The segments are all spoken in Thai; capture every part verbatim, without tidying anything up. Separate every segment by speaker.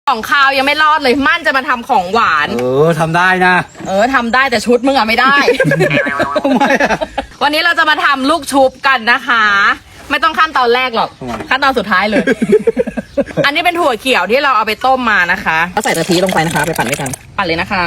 Speaker 1: ของคาวยังไม่รอดเลยมั่นจะมาทำของหวาน
Speaker 2: เออทำได้นะ
Speaker 1: เออทำได้แต่ชุดมึงอะไม่ได้
Speaker 2: ทำไมอะ
Speaker 1: วันนี้เราจะมาทำลูกชุบกันนะคะ ไม่ต้องขั้นตอนแรกหรอก
Speaker 2: ทำไม
Speaker 1: ขั้นตอนสุดท้ายเลย อันนี้เป็นถั่วเขียวที่เราเอาไปต้มมานะคะก็ใส่กะทิลงไปนะคะไปปั่นด้วยกันปั่นเลยนะคะ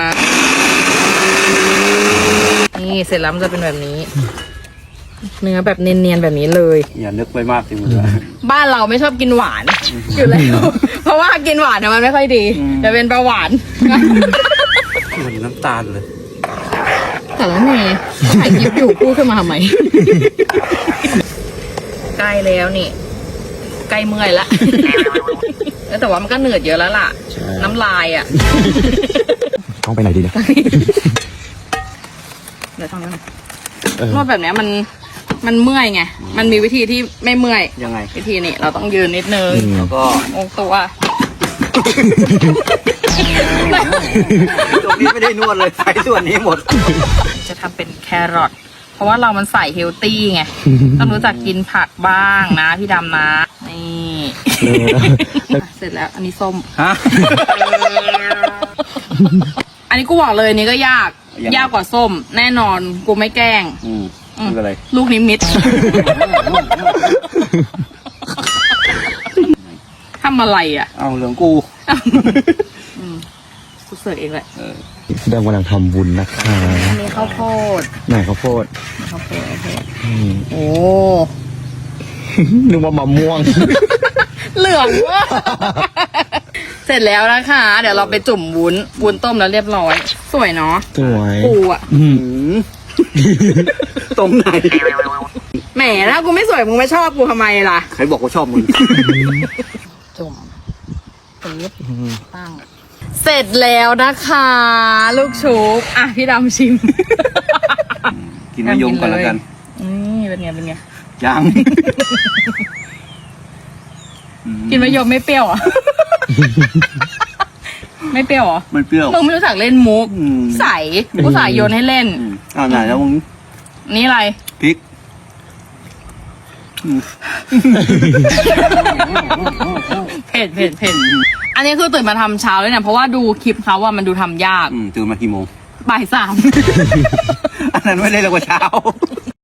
Speaker 1: นี่เสร็จแล้วมันจะเป็นแบบนี้ เนื้อแบบเนียนๆแบบนี้เลย
Speaker 2: อย่านึกไปมากสิมึง
Speaker 1: บ้านเราไม่ชอบกินหวานอยู่แล้ว เพราะว่ากินหวานเนี่ยมันไม่ค่อยดีจะเป็นเบาหวาน
Speaker 2: เหมือนน้ำตาลเลย
Speaker 1: แต่แล้วเนยถ่ายคลิปอยู่พูดขึ้นมาทำไม ใกล้แล้วนี่ใกล้เมื่อยละ แต่ว่ามันก็เหนื่อยเยอะแล้วล่ะ น้ำลายอ่ะ
Speaker 3: ต้องไปไหนดีเนี่ย
Speaker 1: เดี๋ยวทำกันนวดแบบเนี้ยมันมันเมื่อยไงมันมีวิธีที่ไม่เมื่อย
Speaker 2: ยังไง
Speaker 1: วิธีนี้เราต้องยืนนิดนึง
Speaker 2: แล้วก็
Speaker 1: องตัว
Speaker 2: ตรงนี้ไม่ได้นวดเลยใช้ส่วนนี้หมด
Speaker 1: จะทำเป็นแครอทเพราะว่าเรามันใส่เฮลตี้ไงต้องรู้จักกินผักบ้างนะพี่ดำนะนี่เสร็จแล้วอันนี้ส้ม
Speaker 2: ฮะ
Speaker 1: อันนี้กูบอกเลยอันนี้ก็ยาก
Speaker 2: ยังไง
Speaker 1: ยากกว่าส้ม แน่นอนกูไม่แกล้ง
Speaker 2: อืมไม่เป็นไร
Speaker 1: ลูกนิมิต ทำอะไรอ่ะ
Speaker 2: เอาเหลืองกู
Speaker 1: กูเสิร์ฟเองแหละ
Speaker 2: เออ
Speaker 3: เดิมกำลังทำบุญนะคะ
Speaker 1: อันนี้ข้าวโพด
Speaker 3: ไหนข้าวโพด
Speaker 1: ข้าวโพดข้าวโพด
Speaker 3: อืม
Speaker 1: โอ้
Speaker 3: นึกว่ามะม่วง
Speaker 1: เหลืองว่ะ เสร็จแล้วนะคะ เดี๋ยวเราไปจุ่มวุ้นวุ้นต้มแล้วเรียบร้อย สวยเนาะ
Speaker 3: สวย
Speaker 1: ปูอ่ะ
Speaker 3: อืม
Speaker 2: หืมตรงไหน
Speaker 1: แหมถ้ากูไม่สวยมึงไม่ชอบกูทำไมล่ะ
Speaker 2: ใครบอกว่าชอบมึง
Speaker 1: จุ่มปึ๊บตั้ง เสร็จแล้วนะคะ ลูกชุบอ่ะพี่ดำชิม
Speaker 2: กินมะยมก่อนแล้วกัน
Speaker 1: นี่เป็นไงเป็นไง
Speaker 2: ยัง
Speaker 1: กินมะยมไม่เปรี้ยวเหรอ่ะ ไม่เปรี้ยวเหรอ
Speaker 2: มันเปรี้ยว
Speaker 1: มึงไม่รู้จักเล่นมุก
Speaker 2: อืม
Speaker 1: ใส่กูใส่โยนให้เล่น
Speaker 2: อืมเอาไหนแล้วมึง
Speaker 1: นี่อะไร
Speaker 2: พริกอืม
Speaker 1: เผ็ดเผ็ดเผ็ดอันนี้คือตื่นมาทำเช้าเลยเนี่ยเพราะว่าดูคลิปเขาว่ามันดูทำยาก
Speaker 2: อืมตื่นมากี่โมง
Speaker 1: บ่ายสาม
Speaker 2: อันนั้นไม่ได้เลยกว่าเช้า